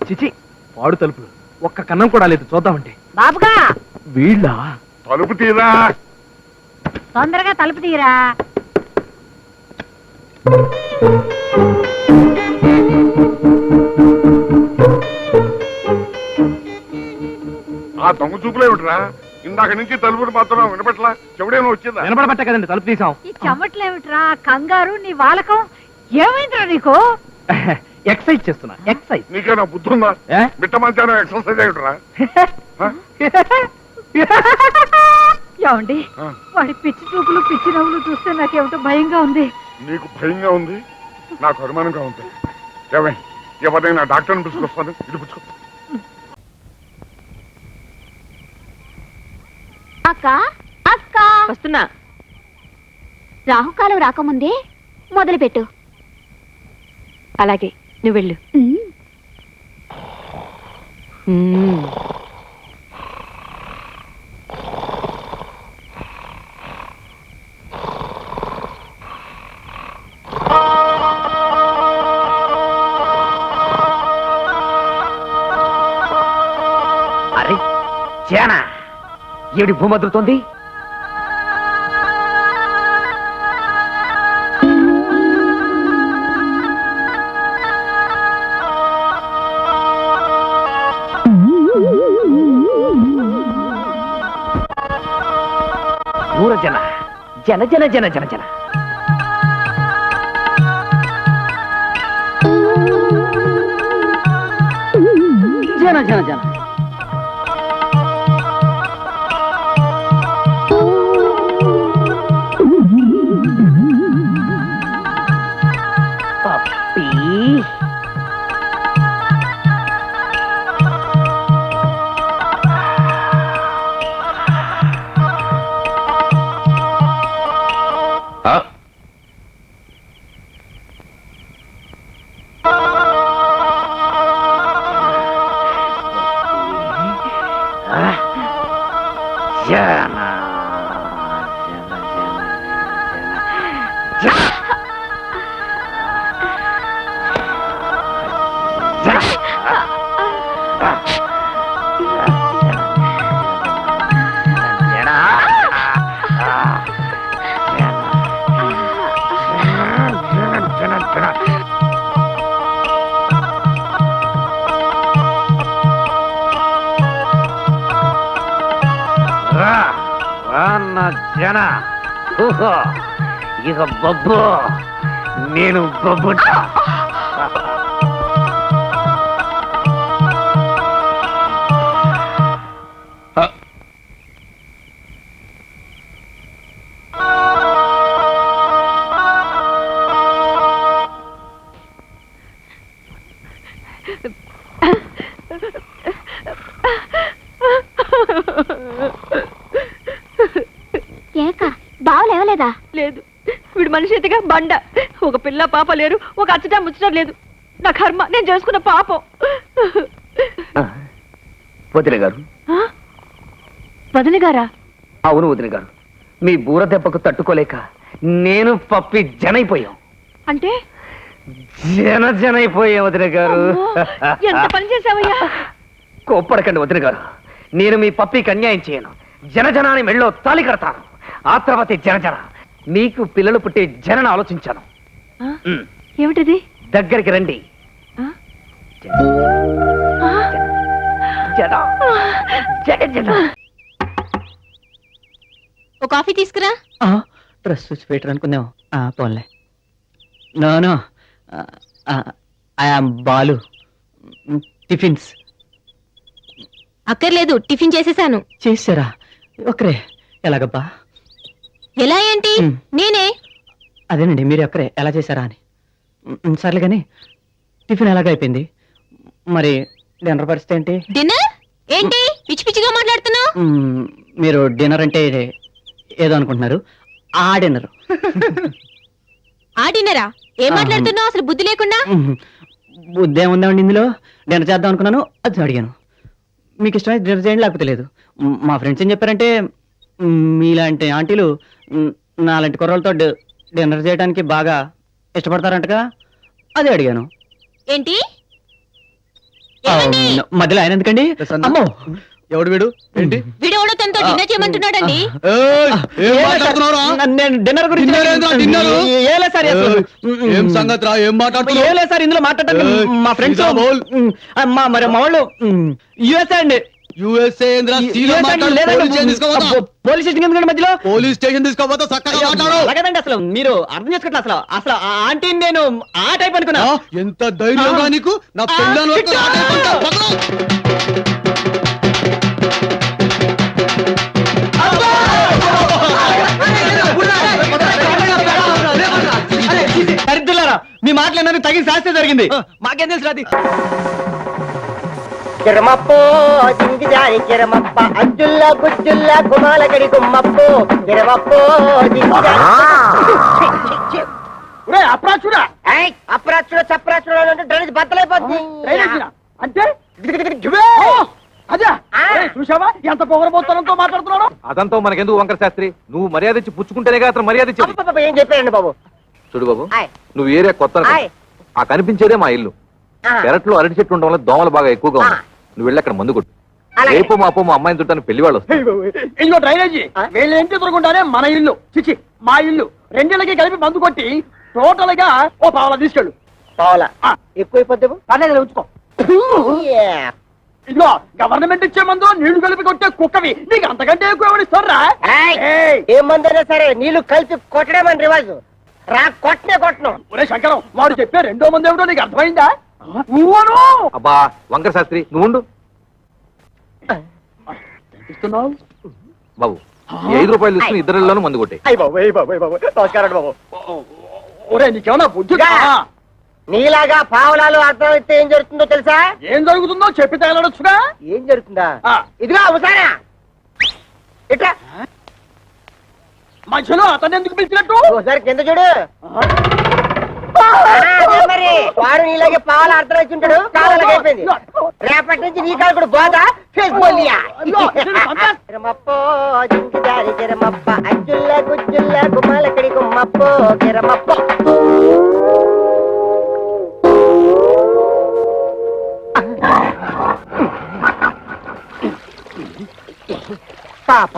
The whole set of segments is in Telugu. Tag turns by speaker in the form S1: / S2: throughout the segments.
S1: చిచి వాడు తలుపులు ఒక్క కన్నం కూడా లేదు చూద్దామంటే.
S2: బాబుగా
S1: వీళ్ళ
S3: తలుపు తీరా,
S2: తొందరగా తలుపు తీరా.
S3: ఆ దొంగ చూపులే ఏమిట్రా? ఇందాక నుంచి తలుపులు మాత్రం వినపట్లా, చెవుడేమో వచ్చిందా?
S1: వినపడబట్టే కదండి తలుపు తీసాం.
S2: ఈ చెమట్లేమిట్రా, కంగారు, నీ వాలకం ఏమైందిరా నీకు?
S1: ఎక్సైజ్ చేస్తున్నా ఎక్సైజ్.
S3: నీకేనా బుద్ధి ఉందా?
S1: ఏ?
S3: మిట్ట మధ్యాహ్నం ఎక్సర్సైజ్ ఏమిట్రా?
S2: ఏమండి, వాడి పిచ్చి చూపులు పిచ్చి నవ్వులు చూస్తే నాకేమిటో భయంగా ఉంది.
S3: నీకు భయంగా ఉంది, నాకు అనుమానంగా ఉంది. ఎవరైనా డాక్టర్ని పిలుచుకొస్తాను, ఇది పుచ్చుకో.
S4: అక్క అక్క
S2: వస్తున్నా.
S4: రాహుకాలం రాకముందే మొదలుపెట్టు.
S2: అలాగే, నువ్వు వెళ్ళు.
S1: అరే జానా, ఏమిటి భూమద్రుతోంది? జన జన జన జన జన జన జన జన జన పప్పీ జన ఇక బొబ్బు, నేను బొబ్బుంటా.
S4: బావలేవలేదా?
S2: లేదు, వీడు మనిషి ఎత్తిగా బండ. ఒక పిల్ల పాప లేరు, ఒక అచ్చటా ముచ్చటం లేదు. నా కర్మ, నేను చేసుకున్న పాపం.
S1: వదిన గారు.
S2: వదిన గారా?
S1: అవును వదిన గారు, మీ బూర దెబ్బకు తట్టుకోలేక నేను పప్పి జనైపోయాం.
S2: అంటే
S1: జనైపోయాం వదిన గారు.
S2: ఎంత పని చేసావయ్యా?
S1: కోప్పడకండి వదిన గారు, నేను మీ పప్పికి అన్యాయం చేయను. జనజనాన్ని మెళ్ళో తాళి కడతాను. ఆ తర్వాత జనజన, మీకు పిల్లలు పుట్టే జనను ఆలోచించాను.
S2: ఏమిటిది?
S1: దగ్గరికి రండి.
S4: ఒక కాఫీ తీసుకురా.
S5: డ్రెస్ చూసి వెయిటర్ అనుకుందాం. పోన్లే. No I Balu. టిఫిన్స్
S4: అక్కర్లేదు, టిఫిన్ చేసేసాను.
S5: చేసారా? ఒకరే ఎలాగబ్బా?
S4: ఎలా ఏంటి? నేనే.
S5: అదేనండి, మీరు ఒక్కరే ఎలా చేశారా అని. సర్లే కానీ టిఫిన్ ఎలాగైపోయింది మరి? డిన్నర్ పరిస్థితి ఏంటి?
S4: డిన్నర్ ఏంటి పిచ్చి పిచ్చిగా మాట్లాడుతున్నావు?
S5: మీరు డిన్నర్ అంటే ఏదో అనుకుంటున్నారు. ఆ డిన్నర్.
S4: ఆ డిన్నరా? ఏం మాట్లాడుతున్నావు అసలు బుద్ధి లేకుండా?
S5: బుద్ధి ఏముందండి ఇందులో? డిన్నర్ చేద్దాం అనుకున్నాను, అది అడిగాను. మీకు ఇష్టమైతే డిన్నర్ చేయండి, లేకపోతే లేదు. మా ఫ్రెండ్స్ ఏం చెప్పారంటే మీలాంటి ఆంటీలు నాలాంటి కుర్రలతో డిన్నర్ చేయడానికి బాగా ఇష్టపడతారంటగా, అదే అడిగాను.
S4: ఏంటి ఏమండి?
S5: మధ్యలో ఆయన ఎందుకండి అమ్మో
S6: ఎవడు వీడు ఏంటి
S4: వీడెవడో తనతో డిన్నర్ చేయమంటున్నాడండి.
S6: ఏయ్, ఏం మాట్లాడుతున్నావురా?
S5: నేను డిన్నర్ గురించి
S6: డిన్నర్ ఏంట్రా, డిన్నరు?
S5: ఏలే సార్ అసలు.
S6: ఏం సంగతిరా ఏం మాట్లాడుతున్నావు
S5: ఏలే సార్ ఇందులో మాట్లాడటానికి
S6: ఏయ్,
S5: మా ఫ్రెండ్స్
S6: సీదా బోల్.
S5: మరి మా వాళ్ళు యుఎస్ఏ అండి
S6: యుఎస్ఏ ఏంద్రా సీదా
S5: USA
S6: మాట్లాడు
S5: లేదండి.
S6: పోలీస్ స్టేషన్ తీసుకోపోతా
S5: పోలీస్ స్టేషన్ ఎందుకండి మధ్యలో
S6: పోలీస్ స్టేషన్ తీసుకోపోతా చక్కగా మాట్లాడు
S5: అలాగేదండి అసలు మీరు అర్థం చేసుకోవట్లేదు అసలు అసలు ఆ ఆంటీని నేను ఆ టైప్ అనుకున్నా
S6: ఆ, ఎంత ధైర్యంగా నీకు నా పెళ్ళాన్ని పట్టుకొని ఆట ఆడుకుంటావు? పక్కన.
S5: దరిద్రులారా మీ మాటలు తగిన శాస్త్రం జరిగింది మాకేం తెలుసు అది
S7: కిరమప్పో జింగిజారి కిరమప్ప అజ్జుల్లా గుజ్జుల్లా గుమాలగడి గుమ్మప్పో కిరమప్పో
S1: అప్రాచుడా
S7: అప్రాచుడ చప్రాచుడ అంటే డ్రైనేజ్ బద్దలైపోతుంది
S1: అంటే అదే చూసావా ఎంత పొగరబోతానంతో మాట్లాడుతున్నాడు.
S8: అదంతా మనకెందుకు వంకర శాస్త్రి, నువ్వు మర్యాద ఇచ్చి పుచ్చుకుంటేనే అతను మర్యాద ఇచ్చేది.
S7: అబ్బబ్బబ్బ, ఏం చెప్పారండి బాబు?
S8: చూడు బాబు,
S7: ఆయ్.
S8: నువ్వు ఏరియా కొత్త అనుకో.
S7: ఆయ్.
S8: ఆ కనిపించేదే మా ఇల్లు.
S7: ఆ.
S8: పెరట్లో అరటి చెట్టు ఉండడం వల్ల దోమలు బాగా ఎక్కువగా ఉన్నాయి. నువ్వు వెళ్ళి అక్కడ మందు కొట్టు.
S7: అలాగే.
S8: రేపు మాపో మా అమ్మాయిని చుట్టానికి పెళ్లి వాళ్ళు వస్తారు.
S1: ఇదిగో డ్రైనేజీ వీళ్ళ ఇంటి ఎదురుకుంటానే మన ఇల్లు చిచి మా ఇల్లు రెండిళ్ళకి కలిపి మందు కొట్టి టోటల్ గా ఓ పావలా తీసుకెళ్ళు.
S7: పావులా
S1: ఆ.
S7: ఎక్కువైపోద్ది
S1: పర్లేదు ఉంచుకో. ఇదిగో గవర్నమెంట్ ఇచ్చే మందు నీళ్లు కలిపి కొట్టే కుక్కవి నీకు అంతకంటే ఎక్కువ ఎవరిస్తారా?
S7: ఏ మందైనా సరే నీళ్లు కలిపి కొట్టడే మన రివాజు. రా కొట్టనే కొట్టను.
S1: ఒరే శంకరం వాడు చెప్పే రెండో మంది ఏమిటో నీకు అర్థమైందా? నువ్వును
S8: అబ్బా వంకర శాస్త్రి నువ్వు ఉండు
S1: ఇస్తున్నావు.
S8: బాబు ఈ 5 రూపాయలు తీసుకుని ఇద్దరిలోనూ మందు కొట్టే.
S7: అయ్య బాబు అయ్య బాబు అయ్య బాబు నమస్కారం బాబు.
S1: ఒరే నీకేమన్నా బుద్ధి
S7: ఇదిగా, నీలాగా పావులాలు అర్థమైతే ఏం జరుగుతుందో తెలుసా?
S1: ఏం జరుగుతుందో చెప్పి తగలడొచ్చుగా.
S7: ఏం జరుగుతుందా?
S1: ఆ.
S7: ఇదిగా అవసానా ఇట్లా
S1: మధ్యలో అతను ఎందుకు పిలిచినట్టు?
S7: ఒకసారి కింద చూడు. అదే మరి వాడు నీలాగే పావులు అర్థం వచ్చి ఉంటాడు. కాలాలకు అయిపోయింది. రేపటి నుంచి నీ కాలు కూడా బోదా ఫేస్బోలియా. కిరమప్పో జింకిదారి కిరమప్ప అజ్జుల్లా గుజ్జుల్లా గుమ్మాలకడి గుమ్మప్పో కిరమప్పో. పాప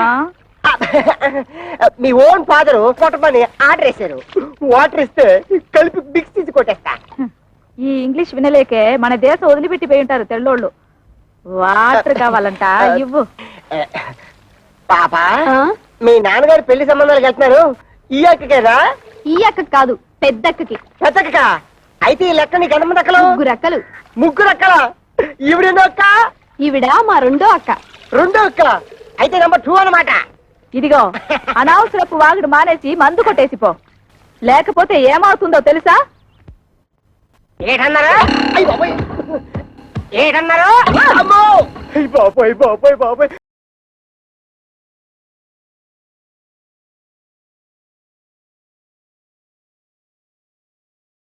S7: మీ ఓన్ ఫాదరు కొట్టమని ఆర్డర్ వేశారు. వాటర్ ఇస్తే కలిపి మిక్స్ తీసి కొట్టేస్తా.
S2: ఈ ఇంగ్లీష్ వినలేకే మన దేశం వదిలిపెట్టి పోయి ఉంటారు తెల్లోళ్ళు. వాటర్ కావాలంట ఇవ్వు.
S7: పాప మీ నాన్నగారు పెళ్లి సంబంధాలకు వెళ్తున్నారు. ఈ అక్కకేనా?
S2: ఈ అక్క కాదు పెద్దక్కకి
S7: పెద్దక్క. అయితే ఈ లెక్క నీకు ఎంతమంది అక్కలు?
S2: 3 అక్కలు.
S7: ముగ్గురు అక్కల. ఈవిడెన్నో అక్క?
S2: ఈవిడ మా రెండో అక్క.
S7: రెండో అక్క. అయితే నెంబర్ 2 అన్నమాట.
S2: ఇదిగో అనవసరపు వాగుడు మానేసి మందు కొట్టేసిపో, లేకపోతే ఏమవుతుందో తెలుసా?
S7: ఏటన్నారా? ఏటన్నారా? అమ్మో! బాబోయ్ బాబోయ్ బాబోయ్.